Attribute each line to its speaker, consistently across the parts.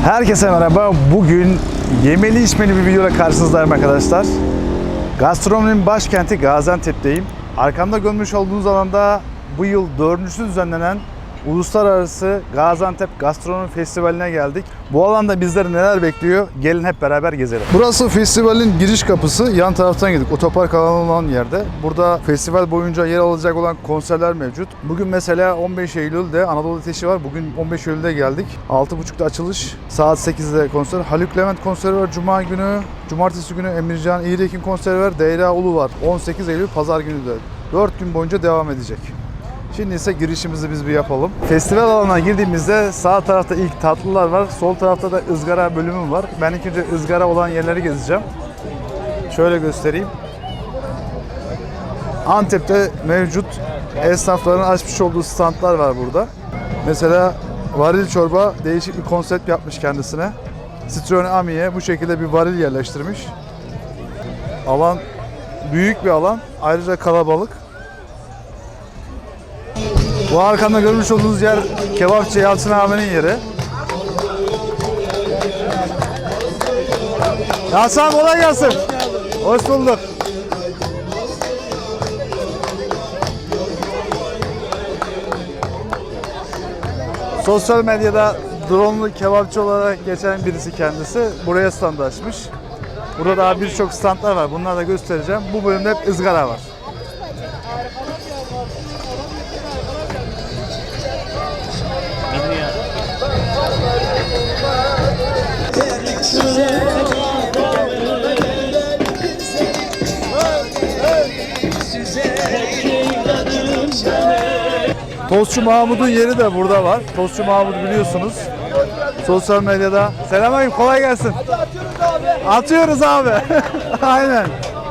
Speaker 1: Herkese merhaba. Bugün yemeli içmeli bir videoyla karşınızdayım arkadaşlar. Gastronominin başkenti Gaziantep'teyim. Arkamda görmüş olduğunuz alanda bu yıl 4.'sü düzenlenen Uluslararası Gaziantep Gastronomi Festivali'ne geldik. Bu alanda bizleri neler bekliyor? Gelin hep beraber gezelim. Burası festivalin giriş kapısı. Yan taraftan girdik. Otopark alanı olan yerde. Burada festival boyunca yer alacak olan konserler mevcut. Bugün mesela 15 Eylül'de Anadolu Ateşi var. Bugün 15 Eylül'de geldik. 6.30'da açılış. Saat 8'de konser. Haluk Levent konseri var Cuma günü. Cumartesi günü Emircan İğrek'in konseri var. Deyra Ulu var. 18 Eylül Pazar günü de. 4 gün boyunca devam edecek. Şimdi ise girişimizi biz bir yapalım. Festival alanına girdiğimizde sağ tarafta ilk tatlılar var. Sol tarafta da ızgara bölümü var. Ben ilk önce ızgara olan yerleri gezeceğim. Şöyle göstereyim. Antep'te mevcut esnafların açmış olduğu standlar var burada. Mesela varil çorba değişik bir konsept yapmış kendisine. Citroen Ami'ye bu şekilde bir varil yerleştirmiş. Alan büyük bir alan. Ayrıca kalabalık. Bu arkamda görmüş olduğunuz yer kebapçı Yalçın abinin yeri. Yalçın abi kolay gelsin. Hoş bulduk. Sosyal medyada drone'lu kebapçı olarak geçen birisi kendisi. Buraya stand açmış. Burada daha birçok standlar var. Bunları da göstereceğim. Bu bölümde hep ızgara var. Tostçu Mahmut'un yeri de burada var. Tostçu Mahmut biliyorsunuz. Sosyal medyada. Selamünaleyküm, kolay gelsin. Atıyoruz abi. Aynen.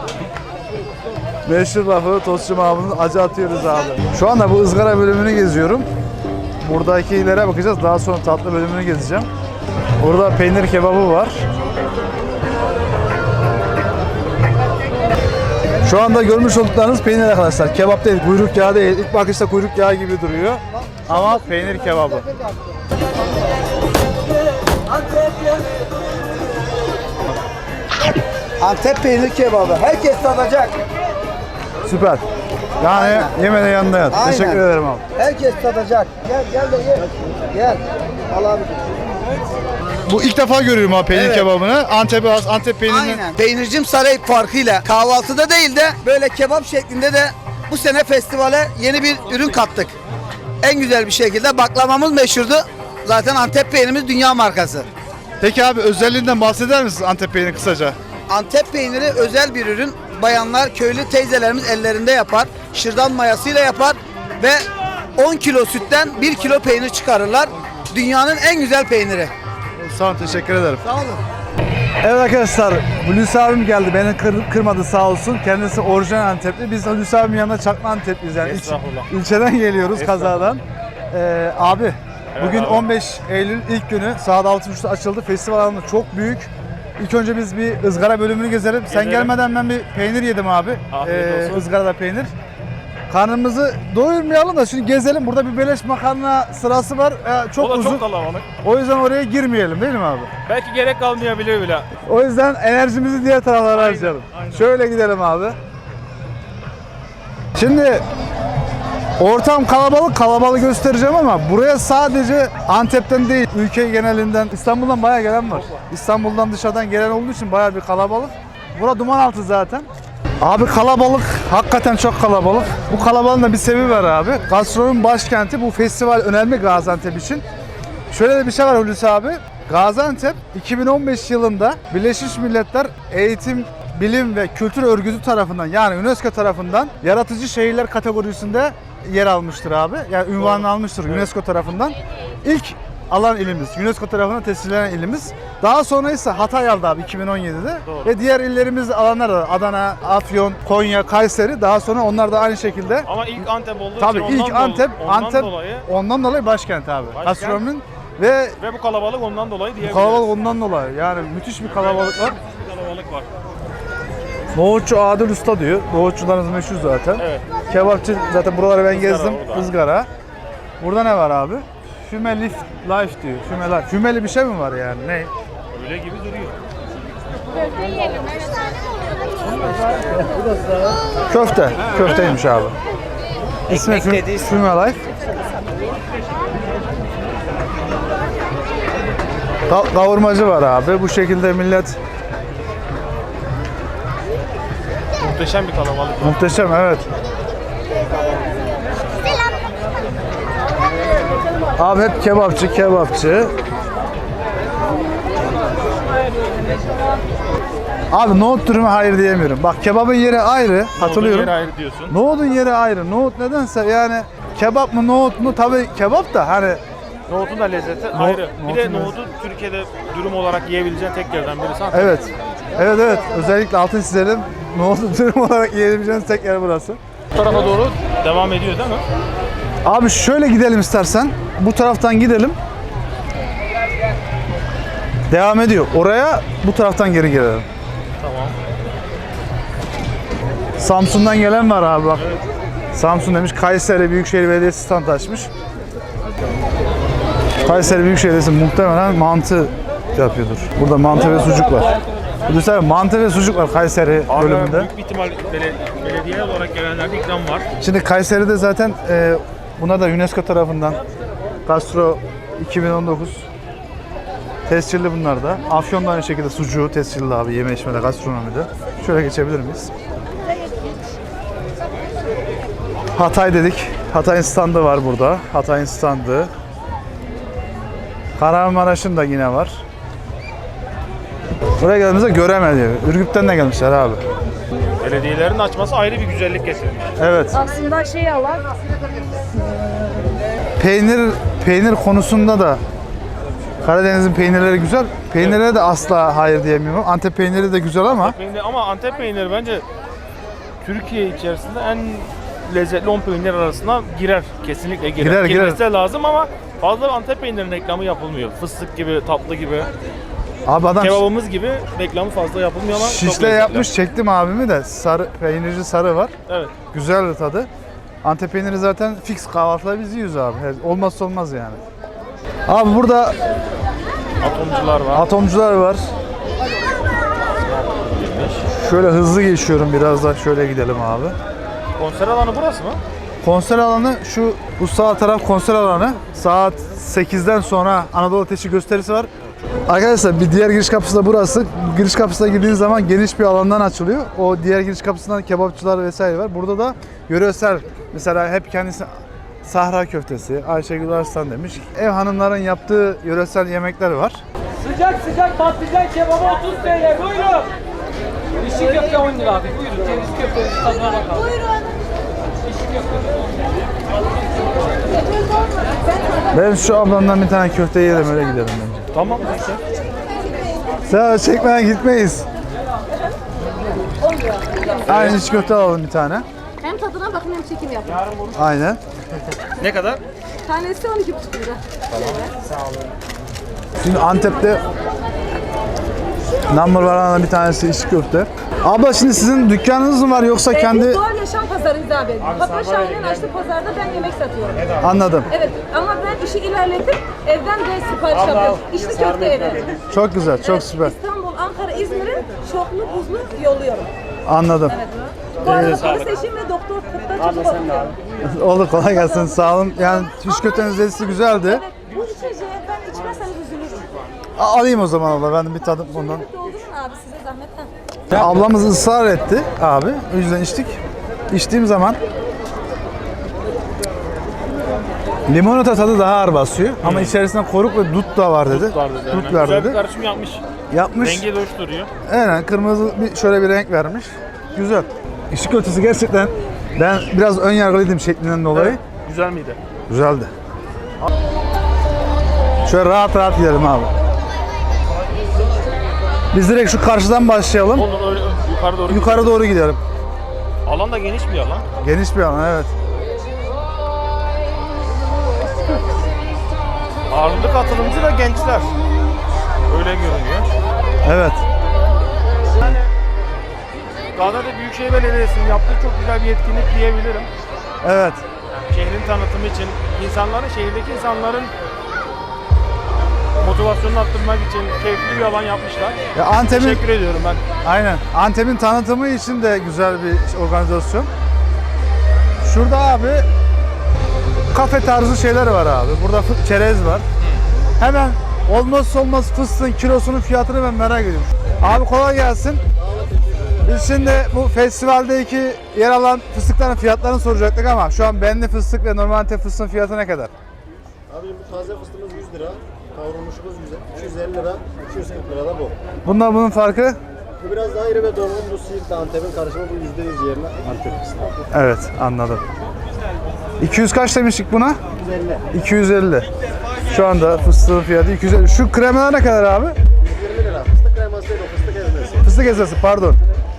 Speaker 1: Meşhur lafı Tostçu Mahmut'un acı atıyoruz abi. Şu anda bu ızgara bölümünü geziyorum. Buradakilere bakacağız. Daha sonra tatlı bölümünü gezeceğim. Burada peynir kebabı var. Şu anda görmüş olduklarınız peynir arkadaşlar. Kebap değil, kuyruk yağı değil. İlk bakışta kuyruk yağı gibi duruyor. Ama peynir kebabı.
Speaker 2: Antep peynir kebabı. Herkes tadacak.
Speaker 1: Süper. Yani yemeden yanında yat.
Speaker 2: Aynen.
Speaker 1: Teşekkür ederim abi.
Speaker 2: Herkes tadacak. Gel de ye. Gel. Al abi.
Speaker 1: Bu ilk defa görüyorum abi peynir kebabını. Antep peynirini.
Speaker 2: Aynen. Peynircim Saray farkıyla kahvaltıda değil de böyle kebap şeklinde de bu sene festivale yeni bir ürün kattık. En güzel bir şekilde baklavamız meşhurdu. Zaten Antep peynirimiz dünya markası.
Speaker 1: Peki abi özelliğinden bahseder misiniz Antep peyniri kısaca?
Speaker 2: Antep peyniri özel bir ürün. Bayanlar, köylü teyzelerimiz ellerinde yapar. Şırdan mayasıyla yapar ve 10 kilo sütten 1 kilo peynir çıkarırlar. Dünyanın en güzel peyniri.
Speaker 1: Sağ olun, teşekkür ederim.
Speaker 2: Sağ olun.
Speaker 1: Evet arkadaşlar, Hulusi abim geldi. Beni kırmadı sağ olsun. Kendisi orijinal Antepli. Biz Hulusi abimin yanında çakma Antepliyiz yani. İlçeden geliyoruz kazadan. Abi, bugün 15 Eylül ilk günü. Saat 6.30'da açıldı. Festival alanı çok büyük. İlk önce biz bir ızgara bölümünü gezelim. Sen gelmeden ben bir peynir yedim abi. Izgarada peynir. Karnımızı doyurmayalım da şimdi gezelim. Burada bir beleş makarna sırası var. Çok uzun.
Speaker 3: Çok kalabalık.
Speaker 1: O yüzden oraya girmeyelim değil mi abi?
Speaker 3: Belki gerek kalmayabilir bile.
Speaker 1: O yüzden enerjimizi diğer taraflara harcayalım. Şöyle gidelim abi. Şimdi ortam kalabalık göstereceğim ama buraya sadece Antep'ten değil, ülke genelinden, İstanbul'dan bayağı gelen var. İstanbul'dan dışarıdan gelen olduğu için bayağı bir kalabalık. Bura Dumanaltı zaten. Abi kalabalık, hakikaten çok kalabalık. Bu kalabalığın da bir sebebi var abi. Gastronomi başkenti, bu festival önemli Gaziantep için. Şöyle de bir şey var Hulusi abi. Gaziantep 2015 yılında Birleşmiş Milletler Eğitim, Bilim ve Kültür Örgütü tarafından yani UNESCO tarafından yaratıcı şehirler kategorisinde yer almıştır abi. Yani ünvanını almıştır UNESCO tarafından. İlk alan ilimiz, UNESCO tarafından tescillenen ilimiz. Daha sonra ise Hatay aldı abi 2017'de.
Speaker 3: Doğru.
Speaker 1: Ve diğer illerimizde alanlar da Adana, Afyon, Konya, Kayseri. Daha sonra onlar da aynı şekilde.
Speaker 3: Ama ilk Antep olduğu
Speaker 1: Tabii
Speaker 3: için
Speaker 1: ilk Antep
Speaker 3: dolayı
Speaker 1: ondan dolayı başkent abi. Gastronominin ve
Speaker 3: bu kalabalık ondan dolayı
Speaker 1: bu
Speaker 3: diyebiliriz.
Speaker 1: kalabalık ondan dolayı. Yani müthiş bir kalabalık var.
Speaker 3: Kalabalık var.
Speaker 1: Nohutçu Adil Usta diyor. Nohutçularımız meşhur zaten.
Speaker 3: Evet.
Speaker 1: Kebapçı zaten buraları ben gezdim.
Speaker 3: burada.
Speaker 1: Izgara. Burada ne var abi? Füme Life diyor. Füme Life. Fümeli bir şey mi var yani? Ne?
Speaker 3: Öyle gibi duruyor.
Speaker 1: Köfte. Köfteymiş abi. İsmi Füme Life. Kavurmacı var abi. Bu şekilde millet
Speaker 3: Muhteşem bir kalabalık.
Speaker 1: muhteşem, evet. Abi hep kebapçı. Abi nohut dürüme hayır diyemiyorum. Bak kebabın yeri ayrı, katılıyorum.
Speaker 3: Yeri ayrı diyorsun.
Speaker 1: Nohutun yeri ayrı. Nohut nedense yani kebap mı nohut mu, tabii kebap da hani
Speaker 3: Nohutun da lezzeti ayrı. Bir de
Speaker 1: nohutun
Speaker 3: nohutu Türkiye'de dürüm olarak yiyebileceğin tek yerden birisi.
Speaker 1: evet. Evet. Özellikle altın çizelim. Nohutu dürüm olarak yiyebileceğiniz tek yer burası.
Speaker 3: Bu tarafa doğru devam ediyor değil mi?
Speaker 1: Abi şöyle gidelim istersen. Bu taraftan gidelim. Devam ediyor. Oraya bu taraftan geri gelelim.
Speaker 3: Tamam.
Speaker 1: Samsun'dan gelen var abi bak. Samsun demiş. Kayseri Büyükşehir Belediyesi stand açmış. Kayseri Büyükşehir Belediyesi muhtemelen mantı yapıyordur. Burada mantı ve sucuk var. Düşünsene mantı ve sucuk var Kayseri bölümünde.
Speaker 3: Büyük bir ihtimal belediye olarak gelenlerde ikram var.
Speaker 1: Şimdi Kayseri'de zaten buna da UNESCO tarafından Gastro 2019 tescilli bunlar da. Afyon'da aynı şekilde sucuğu tescilli abi yeme içmede, gastronomide. Şöyle geçebilir miyiz? Hatay dedik. Hatay'ın standı var burada. Hatay'ın standı. Kahramanmaraş'ın da yine var. Buraya geldiğimizde göremedi. Ürgüp'ten de gelmişler abi.
Speaker 3: Belediyelerin açması ayrı bir güzellik getirmiş.
Speaker 1: Evet.
Speaker 4: Aslında şey alan
Speaker 1: Peynir konusunda da Karadeniz'in peynirleri güzel. Peynirlere de asla hayır diyemiyorum. Antep peyniri de güzel ama
Speaker 3: Ama Antep peyniri bence Türkiye içerisinde en lezzetli 10 peynir arasına girer. Kesinlikle girer. Girmesi de lazım ama fazla Antep peynirinin reklamı yapılmıyor. Fıstık gibi, tatlı gibi.
Speaker 1: abi adam
Speaker 3: Kebabımız gibi reklamı fazla yapılmıyor ama çok
Speaker 1: şişle
Speaker 3: lezzetli.
Speaker 1: yapmış, çektim abimi de. Sarı peynirci sarı var.
Speaker 3: Evet.
Speaker 1: Güzel tadı. Antep peyniri zaten fix kahvaltıda biz yiyoruz abi. Olmazsa olmaz yani. Abi burada
Speaker 3: Atomcular var.
Speaker 1: atomcular var. Şöyle hızlı geçiyorum, biraz da şöyle gidelim abi.
Speaker 3: Konser alanı burası mı?
Speaker 1: Konser alanı bu sağ taraf konser alanı. Saat 8'den sonra Anadolu Ateşi gösterisi var. Arkadaşlar bir diğer giriş kapısı da burası. Giriş kapısına girdiğiniz zaman geniş bir alandan açılıyor. O diğer giriş kapısından kebapçılar vesaire var. Burada da yöresel, mesela hep kendisi Sahra köftesi, Ayşegül Arslan demiş. Ev hanımların yaptığı yöresel yemekler var.
Speaker 5: Sıcak patlıcan kebabı 30 TL, buyurun. İşi köfte 10 lira abi, buyurun. Ceviz köftesi tadına bakalım. Buyurun. İşi köfte 10 lira.
Speaker 1: Ben şu ablamdan bir tane köfte yiyelim, öyle gidelim bence.
Speaker 3: Tamam.
Speaker 1: Sen çekmeden gitmeyiz. Aynı iç köfte alalım bir tane.
Speaker 4: hem tadına bakın hem çekim yapın.
Speaker 1: Aynen.
Speaker 3: Ne kadar?
Speaker 4: Tanesi 12,5 lira.
Speaker 1: Şimdi Antep'te number one bir tanesi iç köfte. Abla şimdi sizin dükkanınız mı var yoksa kendi...
Speaker 4: Biz Doğal Yaşam Pazarı'yız abi. Papa Şahin'in açtığı pazarda ben yemek satıyorum.
Speaker 1: Anladım.
Speaker 4: Evet ama ben işi ilerletip evden de sipariş yapıyorum. İşte köfte evi.
Speaker 1: Çok güzel, çok
Speaker 4: Evet,
Speaker 1: süper.
Speaker 4: İstanbul, Ankara, İzmir'in çoklu buzlu yolluyorum.
Speaker 1: Anladım.
Speaker 4: Evet. Bu arada polis eşim ve doktor tıpta çocuk okuyorum.
Speaker 1: Oldu, kolay gelsin. Sağ olun. Yani iç köftenin lezzeti güzeldi.
Speaker 4: Evet, bu içeceği ben içmezseniz üzülürüm.
Speaker 1: Alayım o zaman abla, ben de bir tadım ondan.
Speaker 4: Doldurun abi size zahmet. Ha.
Speaker 1: Ablamız ısrar etti abi. O yüzden içtik. İçtiğim zaman limonata tadı daha ağır basıyor. Ama içerisinde koruk ve dut da var dedi. Dut var
Speaker 3: Güzel bir
Speaker 1: dedi.
Speaker 3: karışım yapmış.
Speaker 1: Yapmış.
Speaker 3: Rengi de hoş duruyor.
Speaker 1: Aynen, kırmızı şöyle bir renk vermiş. Güzel. İçli köftesi gerçekten, ben biraz ön yargılıydım şeklinden dolayı.
Speaker 3: Evet. Güzel miydi?
Speaker 1: Güzeldi. Şöyle rahat rahat gidelim abi. Biz direkt şu karşıdan başlayalım.
Speaker 3: Olur öyle yukarı doğru.
Speaker 1: Yukarı doğru gidelim.
Speaker 3: Alan da geniş bir alan.
Speaker 1: Geniş bir alan, evet.
Speaker 3: Ağırlık katılımcı da gençler. Öyle görünüyor.
Speaker 1: Evet.
Speaker 3: Yani Gaziantep Büyükşehir Belediyesi'nin yaptığı çok güzel bir etkinlik diyebilirim.
Speaker 1: Evet.
Speaker 3: Şehrin tanıtımı için şehirdeki insanların motivasyonunu arttırmak için keyifli bir alan yapmışlar.
Speaker 1: Ya Antep'in
Speaker 3: Teşekkür ediyorum ben.
Speaker 1: aynen. Antep'in tanıtımı için de güzel bir organizasyon. Şurada abi kafe tarzı şeyler var abi. Burada çerez var. Hemen olmazsa olmaz fıstığın kilosunun fiyatını ben merak ediyorum. Abi kolay gelsin. Biz şimdi bu festivaldeki yer alan fıstıkların fiyatlarını soracaktık ama şu an benli fıstık ve normal Antep fıstığın fiyatı ne kadar?
Speaker 6: Abi bu taze fıstığımız 100 lira, kavrulmuşumuz 250 lira, 240 lira da bu.
Speaker 1: Bunun farkı?
Speaker 6: Bu biraz daha iri ve dolgun, bu Siirt'te Antep'in karışımı, bu %100 yerine Antep fıstığı.
Speaker 1: Evet, anladım. 200 kaç demiştik buna?
Speaker 6: 250.
Speaker 1: 250. Şu anda fıstığın fiyatı 250. Şu kremalar ne kadar abi?
Speaker 6: 120 lira. Fıstık kreması değil, o fıstık ezmesi.
Speaker 1: Fıstık ezmesi, pardon.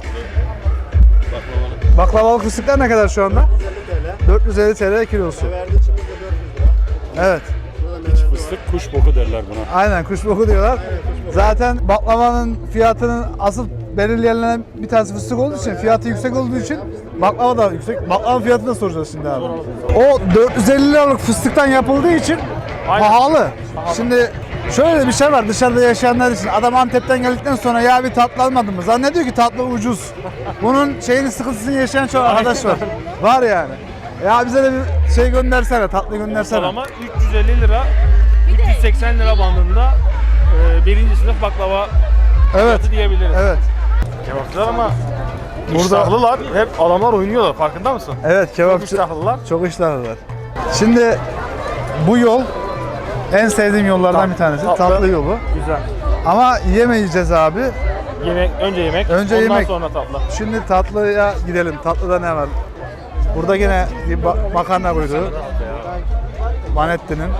Speaker 1: Baklavalık fıstıklar ne kadar şu anda? 450 TL kilosu.
Speaker 6: Verdiği içimizde 400 lira.
Speaker 1: Evet.
Speaker 7: Fıstık kuş boku derler buna.
Speaker 1: Aynen kuş boku diyorlar. Zaten baklavanın fiyatının asıl belirleyen bir tanesi fıstık olduğu için, fiyatı yüksek olduğu için baklava da yüksek. Baklava fiyatını da soracağız şimdi abi. O 450 liralık fıstıktan yapıldığı için
Speaker 3: Aynen.
Speaker 1: pahalı. Şimdi şöyle bir şey var dışarıda yaşayanlar için. Adam Antep'ten geldikten sonra ya bir tatlı almadın mı? Zannediyor ki tatlı ucuz. Bunun sıkıntısını yaşayan çok arkadaş var. Var yani. Ya bize de bir şey göndersene, tatlı göndersene.
Speaker 3: Ortalama 350 lira, 380 lira bandında birinci sınıf baklava
Speaker 1: Evet.
Speaker 3: fiyatı diyebiliriz.
Speaker 1: Evet.
Speaker 3: Kebapçılar ama
Speaker 1: Burada-
Speaker 3: iştahlılar, hep adamlar oynuyorlar, farkında mısın?
Speaker 1: Evet
Speaker 3: Çok
Speaker 1: kebapçı.
Speaker 3: iştahlılar.
Speaker 1: Çok iştahlılar. Şimdi bu yol en sevdiğim yollardan bir tanesi. Tatlı yolu.
Speaker 3: Güzel.
Speaker 1: Ama yemeyeceğiz abi.
Speaker 3: Önce yemek,
Speaker 1: Önce
Speaker 3: ondan
Speaker 1: yemek.
Speaker 3: sonra tatlı.
Speaker 1: Şimdi tatlıya gidelim. Tatlıda ne var? Burada yine bir makarna kuyruğu. Manetti'nin.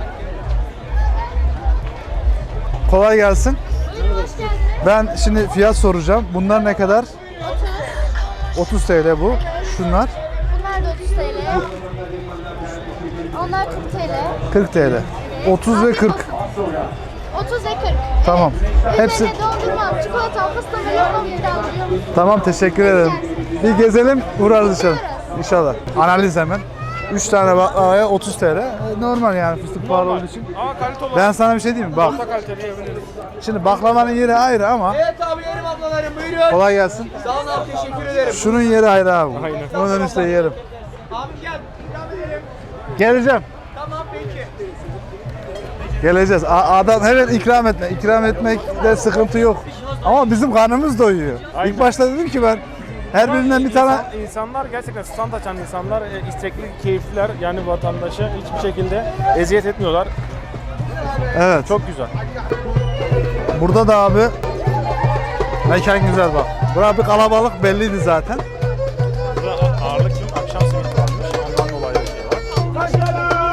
Speaker 1: Kolay gelsin. Ben şimdi fiyat soracağım. Bunlar ne kadar? 30 TL bu. Şunlar
Speaker 8: Bunlar da 30 TL. Onlar 40 TL.
Speaker 1: 40 TL. 30 ve 40.
Speaker 8: 30 ve 40.
Speaker 1: Tamam. Hepsi
Speaker 8: Üzerine dondurma, çikolata, fıstık ve limon ikram.
Speaker 1: tamam, teşekkür ederim. Bir gezelim, uğrarız dışarı. İnşallah. Analiz hemen. 3 tane baklavaya 30 TL. Normal yani fıstık pahalı olduğu için.
Speaker 3: Ama kalite olarak
Speaker 1: Ben sana bir şey diyeyim mi? Bak.
Speaker 3: orta kaliteli yiyebiliriz.
Speaker 1: Şimdi baklavanın yeri ayrı ama
Speaker 5: Evet abi yerim ablalarım buyurun.
Speaker 1: kolay gelsin.
Speaker 5: Sağ olun abi teşekkür ederim.
Speaker 1: Şunun yeri ayrı abi.
Speaker 3: Aynen.
Speaker 1: Onun üstte yerim.
Speaker 5: Abi gel ikram edelim.
Speaker 1: Geleceğim.
Speaker 5: Tamam peki.
Speaker 1: Geleceğiz. Adam hemen ikram etme. İkram etmekte sıkıntı yok. Ama bizim karnımız doyuyor.
Speaker 3: Aynen.
Speaker 1: İlk başta dedim ki ben her birinden bir tane
Speaker 3: İnsanlar gerçekten stand açan insanlar istekli, keyifliler. Yani vatandaşa hiçbir şekilde eziyet etmiyorlar.
Speaker 1: evet.
Speaker 3: Çok güzel.
Speaker 1: Burada da abi mekan güzel bak. Burada bir kalabalık belliydi zaten.
Speaker 3: Burada ağırlık için akşam simit varmış. Ondan dolayı bir şey var.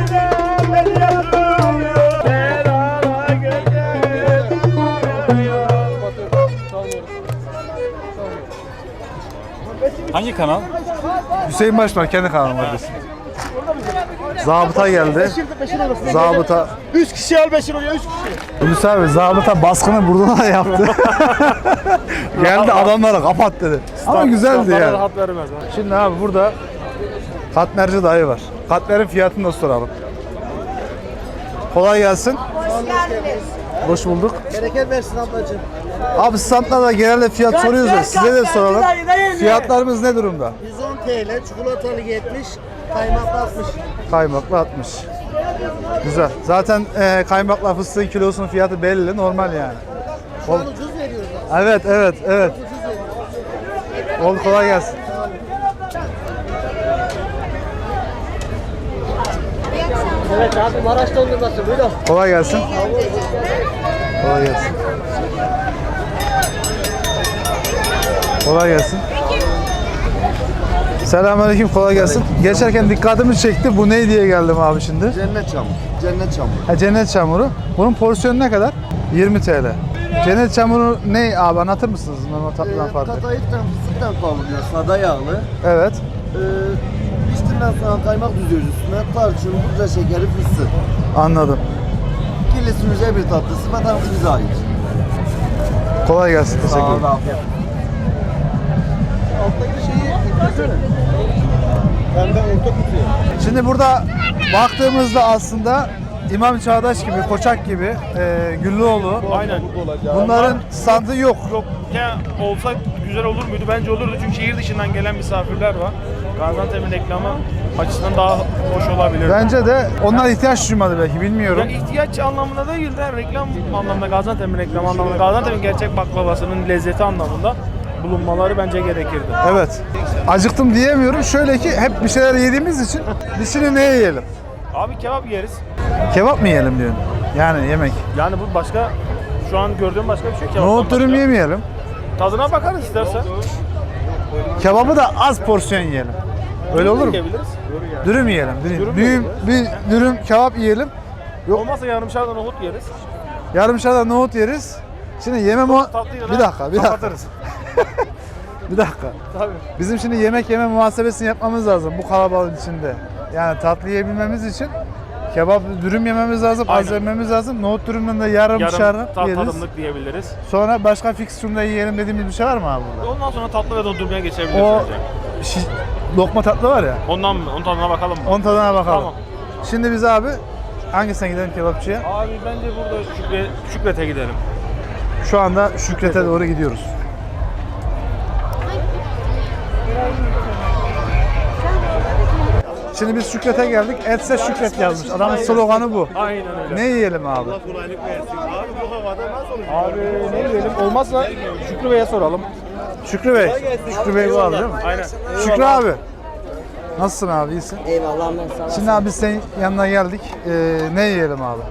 Speaker 7: Hangi kanal?
Speaker 1: Hüseyin Başlar kendi kanalım adresi. Zabıta geldi. Zabıta.
Speaker 6: 3 kişi al 5 liraya 3 kişi.
Speaker 1: Hulusi abi zabıta baskını burada da yaptı. Geldi adamlara kapat dedi. Ama güzeldi
Speaker 3: Standlara
Speaker 1: yani.
Speaker 3: rahat vermez. ha.
Speaker 1: Şimdi abi burada katmerci dayı var. Katmerin fiyatını da soralım. Kolay gelsin. Hoş bulduk.
Speaker 6: Bereket versin ablacığım.
Speaker 1: Abi standlarda genelde fiyat soruyoruz da size de soralım. Fiyatlarımız ne durumda?
Speaker 6: 110 TL, çikolatalı 70, kaymaklı 60.
Speaker 1: Kaymaklı 60. Güzel. Zaten kaymakla fıstığın kilosunun fiyatı belli, normal yani.
Speaker 6: Şu an ucuz veriyoruz abi.
Speaker 1: Evet, evet, evet. Oldu, kolay gelsin.
Speaker 6: Evet abi Maraş dondurması buyurun.
Speaker 1: Kolay gelsin. Kolay gelsin. Kolay gelsin. Selamünaleyküm, kolay gelsin. Geçerken dikkatimi çekti. Bu ne diye geldim abi şimdi?
Speaker 6: Cennet çamur. Cennet çamur.
Speaker 1: Ha, cennet çamuru. Bunun porsiyonu ne kadar? 20 TL. Cennet çamuru ne abi, anlatır mısınız normal tatlıdan farklı?
Speaker 6: Katayıktan fıstıktan kavruluyor. Sada yağlı.
Speaker 1: Evet.
Speaker 6: Piştiğinden sonra kaymak düzüyoruz üstüne. Tarçın, pudra şekeri, fıstık.
Speaker 1: Anladım.
Speaker 6: Kilisimize bir tatlısı. Vatanımız bize ait.
Speaker 1: Kolay gelsin. Teşekkür
Speaker 6: Sağ olun
Speaker 1: ederim.
Speaker 6: afiyet. Alttaki şeyi getirsene. Ben de orta kutuya.
Speaker 1: Şimdi burada baktığımızda aslında İmam Çağdaş gibi, Koçak gibi, Güllüoğlu.
Speaker 3: Aynen.
Speaker 1: Bunların standı yok.
Speaker 3: Yok ya, olsa güzel olur muydu? Bence olurdu çünkü şehir dışından gelen misafirler var. Gaziantep'in reklamı açısından daha hoş olabilir.
Speaker 1: Bence de onlar ihtiyaç duymadı belki, bilmiyorum.
Speaker 3: Yani ihtiyaç anlamında değil de reklam anlamında, Gaziantep'in reklamı anlamında, Gaziantep'in gerçek baklavasının lezzeti anlamında bulunmaları bence gerekirdi.
Speaker 1: Evet. Acıktım diyemiyorum. Şöyle ki hep bir şeyler yediğimiz için biz şimdi ne yiyelim?
Speaker 3: Abi kebap yeriz.
Speaker 1: Kebap mı yiyelim diyorsun? Yani yemek.
Speaker 3: Yani bu başka, şu an gördüğüm başka bir şey kebaptan
Speaker 1: Nohut dürüm
Speaker 3: başka.
Speaker 1: yemeyelim.
Speaker 3: Tadına bakarız istersen.
Speaker 1: Kebabı da az porsiyon yiyelim. Öyle olur mu?
Speaker 3: Yiyebiliriz.
Speaker 1: Dürüm yiyelim. Dürüm.
Speaker 3: Dürüm
Speaker 1: Bir dürüm kebap yiyelim. Yok.
Speaker 3: Olmazsa yarımşarda nohut yeriz.
Speaker 1: Yarımşarda nohut yeriz. Şimdi yeme o...
Speaker 3: Tatlıyla
Speaker 1: Bir dakika.
Speaker 3: kapatırız.
Speaker 1: Bir dakika.
Speaker 3: Tabii.
Speaker 1: Bizim şimdi yemek yeme muhasebesini yapmamız lazım bu kalabalığın içinde. Yani tatlı yiyebilmemiz için kebap, dürüm yememiz lazım, az
Speaker 3: Aynen.
Speaker 1: yememiz lazım. Nohut dürümden de yarım şarap yeriz.
Speaker 3: tadımlık diyebiliriz.
Speaker 1: Sonra başka fiksiyonda yiyelim dediğimiz bir şey var mı abi burada?
Speaker 3: Ondan sonra tatlı ve dondurmaya geçebiliriz
Speaker 1: O
Speaker 3: bence.
Speaker 1: lokma tatlı var ya,
Speaker 3: Ondan mı? Onun tadına bakalım mı?
Speaker 1: onun tadına bakalım.
Speaker 3: Tamam.
Speaker 1: Şimdi biz abi hangisine gidelim kebapçıya?
Speaker 3: Abi bence burada Şükret'e gidelim.
Speaker 1: Şu anda Şükret'e doğru gidiyoruz. Şimdi biz Şükret'e geldik. Etse Şükret yazmış. Adamın sloganı bu.
Speaker 3: Aynen öyle.
Speaker 1: Ne yiyelim abi?
Speaker 3: Abi ne diyelim? Olmazsa Şükrü Bey'e soralım.
Speaker 1: Şükrü Bey. Şükrü Bey bu abi değil mi?
Speaker 3: Aynen.
Speaker 1: Şükrü abi. Nasılsın abi? İyisin?
Speaker 2: Eyvallah ben sağ
Speaker 1: Şimdi abi biz senin yanına geldik. Ne yiyelim abi?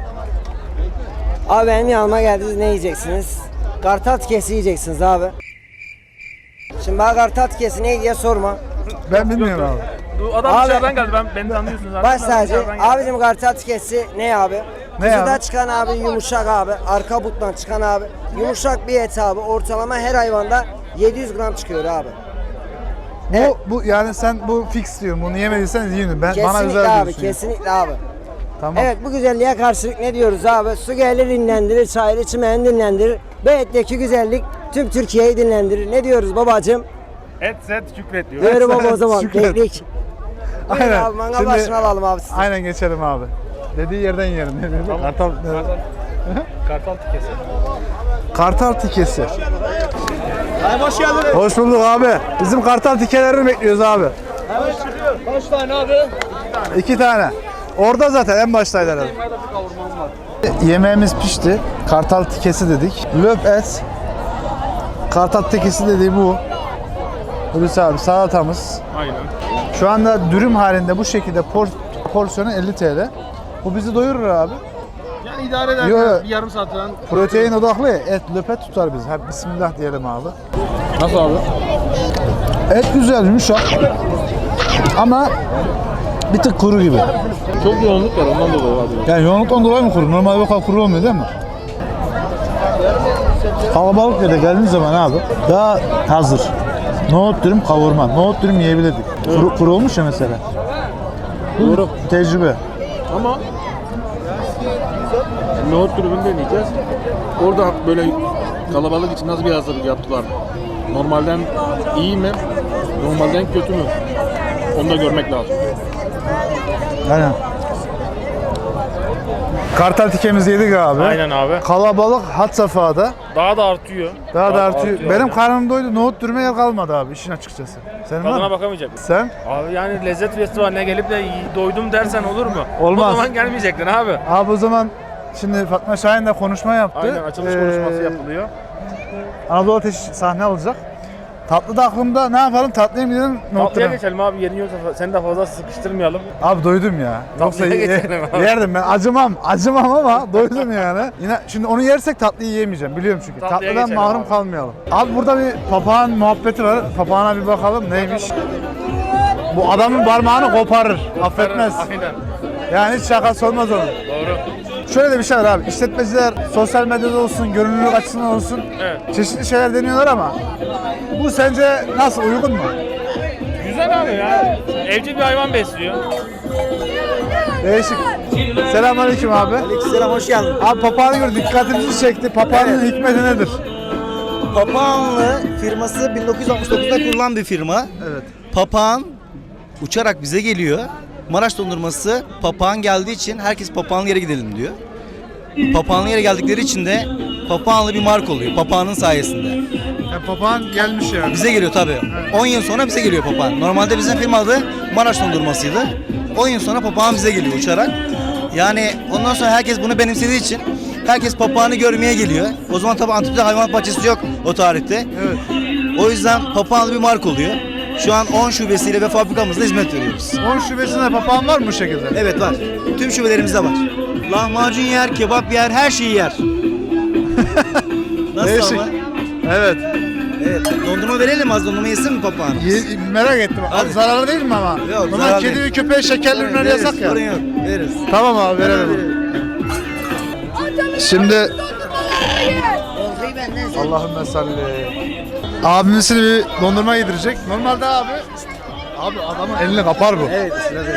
Speaker 9: Abi benim yanıma geldiniz, ne yiyeceksiniz? Kartal tikesi yiyeceksiniz abi. Şimdi bana kartal tikesi ne diye sorma.
Speaker 1: Ben bilmiyorum abi.
Speaker 3: Bu adam
Speaker 9: Abi-
Speaker 3: dışarıdan geldi. Beni tanıyorsunuz zaten.
Speaker 9: Baş tacı.
Speaker 3: Dışarıdan geldi.
Speaker 9: Abicim kartal tikesi ne abi?
Speaker 1: Ne
Speaker 9: Kuzudan
Speaker 1: abi?
Speaker 9: çıkan abi yumuşak abi. Arka buttan çıkan abi. Yumuşak bir et abi. Ortalama her hayvanda 700 gram çıkıyor abi.
Speaker 1: Bu yani sen bu fix diyorsun. Bunu yemediysen yiyin. Bana
Speaker 9: Kesinlikle
Speaker 1: özel
Speaker 9: abi,
Speaker 1: diyorsun.
Speaker 9: kesinlikle abi.
Speaker 1: Tamam.
Speaker 9: Evet, bu güzelliğe karşılık ne diyoruz abi? Su gelir dinlendirir, çayır çimen dinlendirir. Bu etteki güzellik tüm Türkiye'yi dinlendirir. Ne diyoruz babacığım?
Speaker 3: Et set Şükret diyor.
Speaker 9: Diyorum baba o zaman.
Speaker 1: Şükret.
Speaker 9: Beklik. Buyurun
Speaker 1: Aynen.
Speaker 9: abi, mangal
Speaker 1: Şimdi-
Speaker 9: başına alalım abi sizi.
Speaker 1: Aynen geçelim abi. Dediği yerden yiyelim. Ne dedi? Kartal,
Speaker 3: Kartal tikesi.
Speaker 1: Kartal tikesi. Hoş geldiniz. Hoş bulduk abi. Bizim kartal tikelerini bekliyoruz abi.
Speaker 5: Kaç tane abi?
Speaker 1: 2 tane. Orada zaten en baştaydı herhalde. Yemeğimiz pişti. Kartal tikesi dedik. Löp et. Kartal tikesi dediği bu. Hulusi abi salatamız.
Speaker 3: Aynen.
Speaker 1: Şu anda dürüm halinde bu şekilde porsiyonu 50 TL. Bu bizi doyurur abi.
Speaker 3: Yani idare eder.
Speaker 1: Yo.
Speaker 3: Bir yarım saat falan.
Speaker 1: Protein odaklı ya, et löpet tutar bizi. Hadi bismillah diyelim abi.
Speaker 3: Nasıl abi?
Speaker 1: Et güzel, yumuşak. Ama bir tık kuru gibi.
Speaker 3: Çok yoğunluk var ondan dolayı abi.
Speaker 1: Yani yoğunluktan dolayı mı kuru? Normalde bu kadar kuru olmuyor değil mi? Kalabalık yere geldiğiniz zaman abi daha hazır. Nohut dürüm kavurma. Nohut dürüm yiyebilirdik. Kuru olmuş ya mesela. Doğru. Tecrübe.
Speaker 3: Ama nohut dürümünü deneyeceğiz. Orada böyle kalabalık için nasıl bir hazırlık yaptılar? Normalden iyi mi? Normalden kötü mü? Onu da görmek lazım.
Speaker 1: Aynen. Kartal tikemizi yedik abi.
Speaker 3: Aynen abi.
Speaker 1: Kalabalık had safhada.
Speaker 3: Daha da artıyor.
Speaker 1: Daha da artıyor. Benim
Speaker 3: yani.
Speaker 1: karnım doydu. Nohut dürüme yer kalmadı abi işin açıkçası. Senin var
Speaker 3: Tadına
Speaker 1: mı?
Speaker 3: bakamayacak mısın?
Speaker 1: Sen?
Speaker 3: Abi yani lezzet festivaline gelip de doydum dersen olur mu?
Speaker 1: Olmaz.
Speaker 3: O zaman gelmeyecektin abi.
Speaker 1: Abi o zaman şimdi Fatma Şahin de konuşma yaptı.
Speaker 3: Aynen açılış konuşması yapılıyor.
Speaker 1: Anadolu Ateş sahne alacak. Tatlı da aklımda, ne yapalım, tatlıya mı gidelim, nohut
Speaker 3: Tatlıya
Speaker 1: dürüm?
Speaker 3: geçelim abi, yerin yoksa seni de fazla sıkıştırmayalım.
Speaker 1: Abi doydum ya. Yoksa
Speaker 3: Tatlıya geçelim abi.
Speaker 1: yerdim ben. Acımam ama doydum yani. Yine şimdi onu yersek tatlıyı yiyemeyeceğim biliyorum çünkü.
Speaker 3: Tatlıya
Speaker 1: Tatlıdan
Speaker 3: geçelim
Speaker 1: mahrum
Speaker 3: abi.
Speaker 1: kalmayalım. Abi burada bir papağan muhabbeti var. Papağana bir bakalım neymiş. Bu adamın parmağını koparır. Affetmez.
Speaker 3: Aynen.
Speaker 1: Yani hiç şakası olmaz onun.
Speaker 3: Doğru.
Speaker 1: Şöyle de bir şey var abi. İşletmeciler sosyal medyada olsun, görünürlük açısından olsun
Speaker 3: Evet.
Speaker 1: çeşitli şeyler deniyorlar ama bu sence nasıl, uygun mu?
Speaker 3: Güzel abi ya. Evcil bir hayvan besliyor.
Speaker 1: Değişik. Selamünaleyküm abi.
Speaker 9: Selam, hoş geldin.
Speaker 1: Abi papağanı gördük, dikkatimizi çekti. Papağanın hikmeti nedir?
Speaker 10: Papağanlı firması 1969'da kurulan bir firma.
Speaker 1: Evet.
Speaker 10: Papağan uçarak bize geliyor. Maraş dondurması papağan geldiği için herkes papağanlı yere gidelim diyor. Papağanlı yere geldikleri için de papağanlı bir marka oluyor. Papağanın sayesinde.
Speaker 1: Yani papağan gelmiş yani.
Speaker 10: Bize geliyor tabii. 10 yıl sonra bize geliyor papağan. Normalde bizim firma adı Maraş dondurmasıydı. 10 yıl sonra papağan bize geliyor uçarak. Yani ondan sonra herkes bunu benimsediği için herkes papağanı görmeye geliyor. O zaman tabii Antep'te hayvanat bahçesi yok o tarihte.
Speaker 1: Evet.
Speaker 10: O yüzden papağanlı bir marka oluyor. Şu an 10 şubesiyle ve fabrikamızda hizmet veriyoruz.
Speaker 1: 10 şubesinde papağan var mı bu şekilde?
Speaker 10: Evet var. Tüm şubelerimizde var. Lahmacun yer, kebap yer, her şeyi yer. Nasıl
Speaker 1: Değişik.
Speaker 10: ama?
Speaker 1: Evet.
Speaker 10: Evet. Dondurma verelim az, dondurma yesin mi papağan?
Speaker 1: Merak ettim.
Speaker 10: Hadi.
Speaker 1: Zararlı değil mi ama?
Speaker 10: Yok,
Speaker 1: Ama
Speaker 10: zararlı
Speaker 1: kedi
Speaker 10: değil.
Speaker 1: ve köpeğe şekerli ürünler
Speaker 10: Veririz,
Speaker 1: yasak ya.
Speaker 10: sorun yok. Veririz.
Speaker 1: Tamam abi verelim. Şimdi Allahümme salli. Abimizin bir dondurma yedirecek. Normalde abi adamın elini kapar bu.
Speaker 10: Evet.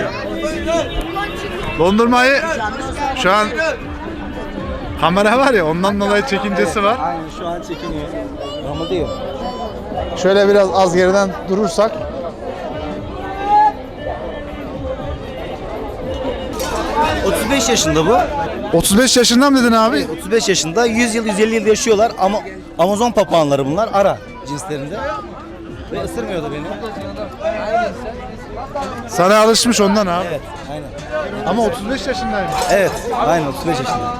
Speaker 1: Dondurmayı şu an kamera var ya ondan dolayı çekincesi var.
Speaker 10: Aynen şu an çekiniyor. Ama diyor.
Speaker 1: Şöyle biraz az geriden durursak.
Speaker 10: Ee, 35 yaşında bu.
Speaker 1: 35 yaşından mı dedin abi?
Speaker 10: Evet, 35 yaşında. 100 yıl, 150 yıl yaşıyorlar ama Amazon papağanları bunlar. Ara cinslerinde. Ve ısırmıyor da beni.
Speaker 1: Sana alışmış ondan abi.
Speaker 10: Evet, aynen.
Speaker 1: Ama 35 yaşındaymış.
Speaker 10: Evet, aynen 35 yaşında.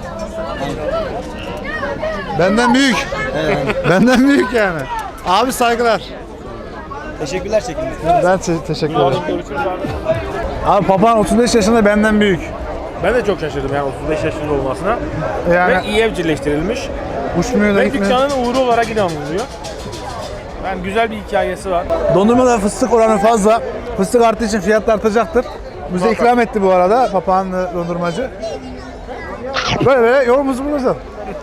Speaker 1: Benden büyük. Benden büyük yani. Abi saygılar.
Speaker 10: Teşekkürler çekimde.
Speaker 1: Ben teşekkür ederim. Abi papağan 35 yaşında benden büyük.
Speaker 3: Ben de çok şaşırdım yani 35 yaşında olmasına.
Speaker 1: Yani
Speaker 3: Ve iyi evcilleştirilmiş.
Speaker 1: uçmuyor da
Speaker 3: Ve
Speaker 1: gitmiyor.
Speaker 3: dükkanın uğru olarak inanılıyor. Yani güzel bir hikayesi var.
Speaker 1: Dondurmada fıstık oranı fazla. Fıstık arttığı için fiyat da artacaktır. Bize ikram etti bu arada papağanlı dondurmacı. Böyle yolumuzu bulacağız.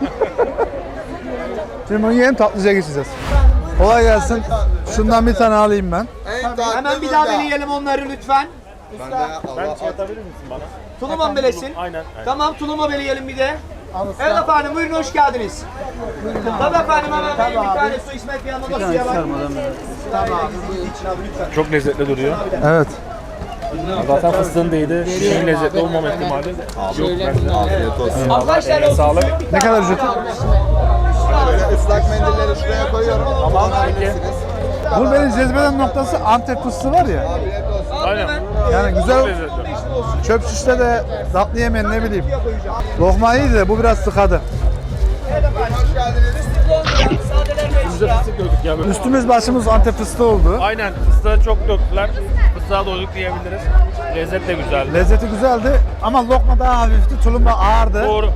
Speaker 1: Şimdi bunu yiyelim, tatlıca geçeceğiz. Kolay gelsin. Şundan bir tane alayım ben.
Speaker 5: Hemen bir daha beleyelim onları lütfen.
Speaker 3: Ben şey atabilir misin bana?
Speaker 5: Tulum'a belesin.
Speaker 3: Aynen.
Speaker 5: Tamam tulum'a beleyelim bir de. Evet efendim buyurun hoş geldiniz. Tabii efendim hemen benim bir tane su İsmet bir yanına suya bak. Tamam.
Speaker 3: Çok lezzetli duruyor.
Speaker 1: Evet.
Speaker 3: Zaten fıstığın değdi. Şişinin lezzetli olmama ihtimali yok bence. Afiyet olsun.
Speaker 5: Arkadaşlar sağlık.
Speaker 1: Ne kadar ücreti?
Speaker 6: Islak mendilleri şuraya koyuyorum.
Speaker 3: Tamam peki.
Speaker 1: Bu benim cezbeden noktası Antep fıstığı var ya.
Speaker 3: Aynen.
Speaker 1: Yani
Speaker 3: Çok
Speaker 1: güzel
Speaker 3: lezzetli.
Speaker 1: çöp şişte de tatlı yemeyin ne bileyim. Lokma iyiydi de bu biraz sıkadı.
Speaker 3: Bize fıstık döktük ya böyle.
Speaker 1: Üstümüz başımız Antep fıstığı oldu.
Speaker 3: Aynen fıstığı çok döktüler. Fıstığa doyduk diyebiliriz. Lezzet de güzeldi.
Speaker 1: Lezzeti güzeldi ama lokma daha hafifti, tulumba ağırdı.
Speaker 3: Doğru.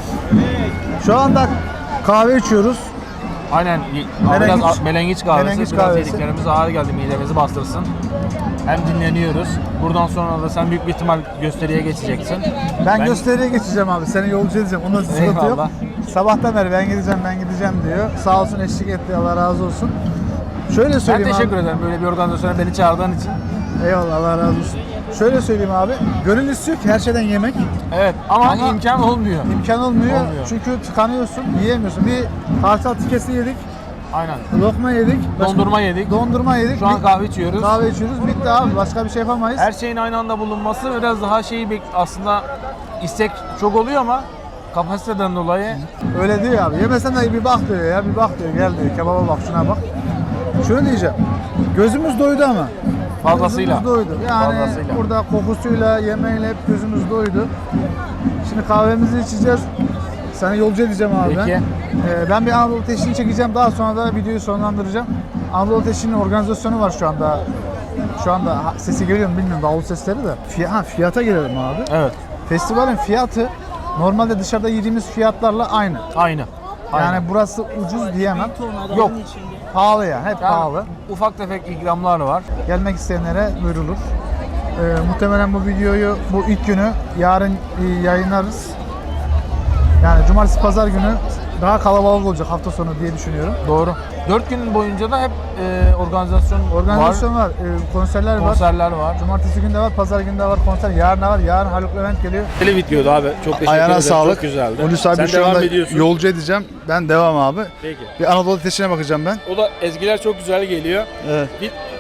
Speaker 1: Şu anda kahve içiyoruz.
Speaker 3: Aynen.
Speaker 1: Melengiç-
Speaker 3: Biraz melengiç kahvesi.
Speaker 1: melengiç
Speaker 3: Biraz
Speaker 1: kahvesi.
Speaker 3: yediklerimiz ağır geldi. Midemizi bastırsın. Hem dinleniyoruz. Buradan sonra da sen büyük bir ihtimal gösteriye geçeceksin.
Speaker 1: Ben gösteriye geçeceğim abi. Seni yolcu edeceğim. Onda sıkıntı yok.
Speaker 3: Eyvallah.
Speaker 1: Sabahtan beri ben gideceğim diyor. Sağ olsun eşlik etti. Allah razı olsun. Şöyle
Speaker 3: Ben
Speaker 1: söyleyeyim
Speaker 3: teşekkür
Speaker 1: abi.
Speaker 3: ederim böyle bir organizasyona beni çağırdığın için.
Speaker 1: Eyvallah Allah razı olsun. Şöyle söyleyeyim abi. Gönül istiyor ki her şeyden yemek.
Speaker 3: Evet ama
Speaker 1: Ama-
Speaker 3: imkan olmuyor.
Speaker 1: İmkan olmuyor.
Speaker 3: Olmuyor.
Speaker 1: Çünkü tıkanıyorsun, yiyemiyorsun. Bir kartal tikesi yedik,
Speaker 3: Aynen.
Speaker 1: lokma yedik.
Speaker 3: Dondurma yedik.
Speaker 1: Dondurma yedik.
Speaker 3: Şu an
Speaker 1: Bir-
Speaker 3: kahve içiyoruz.
Speaker 1: Kahve içiyoruz. Bitti abi. Başka bir şey yapamayız.
Speaker 3: Her şeyin aynı anda bulunması biraz daha aslında istek çok oluyor ama kapasiteden dolayı
Speaker 1: Öyle diyor abi. Yemesen de bir bak diyor ya. Bir bak diyor. Gel diyor. Kebaba bak şuna bak. Şunu diyeceğim. Gözümüz doydu ama.
Speaker 3: fazlasıyla.
Speaker 1: Gözümüz doydu. Yani
Speaker 3: Fazlasıyla.
Speaker 1: burada kokusuyla, yemeğiyle hep gözümüz doydu. Şimdi kahvemizi içeceğiz. Seni yolcu edeceğim abi
Speaker 3: Peki.
Speaker 1: ben. Ben bir Anadolu Ateşi'ni çekeceğim. Daha sonra da videoyu sonlandıracağım. Anadolu Ateşi'nin organizasyonu var şu anda. Şu anda sesi geliyor mu bilmiyorum. Davul sesleri de. Fiyata gelelim abi.
Speaker 3: Evet.
Speaker 1: Festivalin fiyatı normalde dışarıda yediğimiz fiyatlarla aynı.
Speaker 3: Aynı.
Speaker 1: Yani burası ucuz diyemem.
Speaker 3: Yok.
Speaker 1: Pahalı ya. Hep
Speaker 3: Yani
Speaker 1: pahalı.
Speaker 3: ufak tefek ikramlar var.
Speaker 1: Gelmek isteyenlere duyurulur. Muhtemelen bu videoyu bu ilk günü yarın yayınlarız. Yani cumartesi pazar günü daha kalabalık olacak hafta sonu diye düşünüyorum.
Speaker 3: Doğru. 4 gün boyunca da hep
Speaker 1: Organizasyon var, konserler var.
Speaker 3: konserler var.
Speaker 1: Cumartesi günü de var, pazar günü de var konser. Yarın da var. Yarın Haluk Levent geliyor.
Speaker 3: Tele videoydu abi. Çok teşekkür
Speaker 1: Ayağına
Speaker 3: ederim.
Speaker 1: sağlık.
Speaker 3: Çok güzeldi.
Speaker 1: Hulusi abi
Speaker 3: Sen
Speaker 1: şu
Speaker 3: devam
Speaker 1: anda
Speaker 3: ediyorsun.
Speaker 1: yolcu edeceğim. Ben devam abi.
Speaker 3: Peki.
Speaker 1: Bir Anadolu Ateşi'ne bakacağım ben.
Speaker 3: O da ezgiler çok güzel geliyor.
Speaker 1: Evet.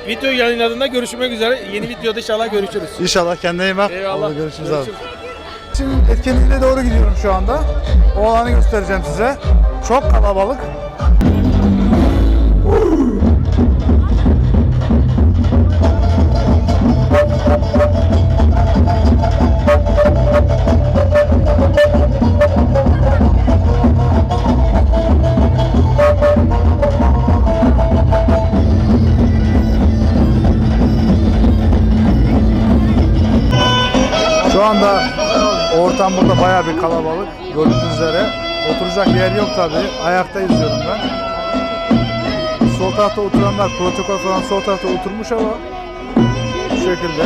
Speaker 3: Video yayınladığında görüşmek üzere. Yeni videoda inşallah görüşürüz.
Speaker 1: İnşallah kendine iyi bak.
Speaker 3: Eyvallah.
Speaker 1: Oldu, görüşürüz abi. Şimdi etkinliğine doğru gidiyorum şu anda. O alanı göstereceğim size. Çok kalabalık. Şu anda ortam burada bayağı bir kalabalık. Gördüğünüz üzere. Oturacak yer yok tabi. Ayakta izliyorum ben. Sol tarafta oturanlar protokol falan sol tarafta oturmuş ama bu şekilde.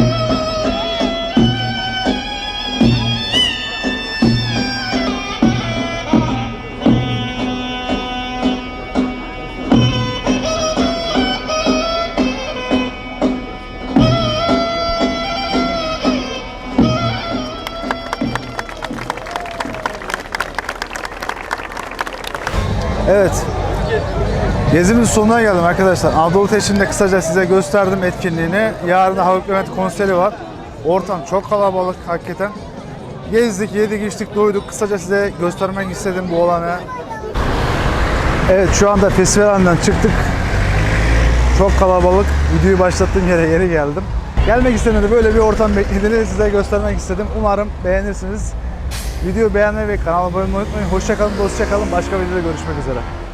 Speaker 1: Evet. Gezimiz sonuna geldim arkadaşlar. Anadolu Teşhir'inde kısaca size gösterdim etkinliğini. Yarın da Haluk Levent konseri var. Ortam çok kalabalık hakikaten. Gezdik, yedik, içtik, doyduk. Kısaca size göstermek istedim bu alanı. Evet, şu anda festivalden çıktık. Çok kalabalık. Videoyu başlattığım yere geri geldim. Gelmek istedim, böyle bir ortam beklediğini size göstermek istedim. Umarım beğenirsiniz. Videoyu beğenmeyi ve kanalıma abone olmayı unutmayın. Hoşça kalın, dostça kalın. Başka videoda görüşmek üzere.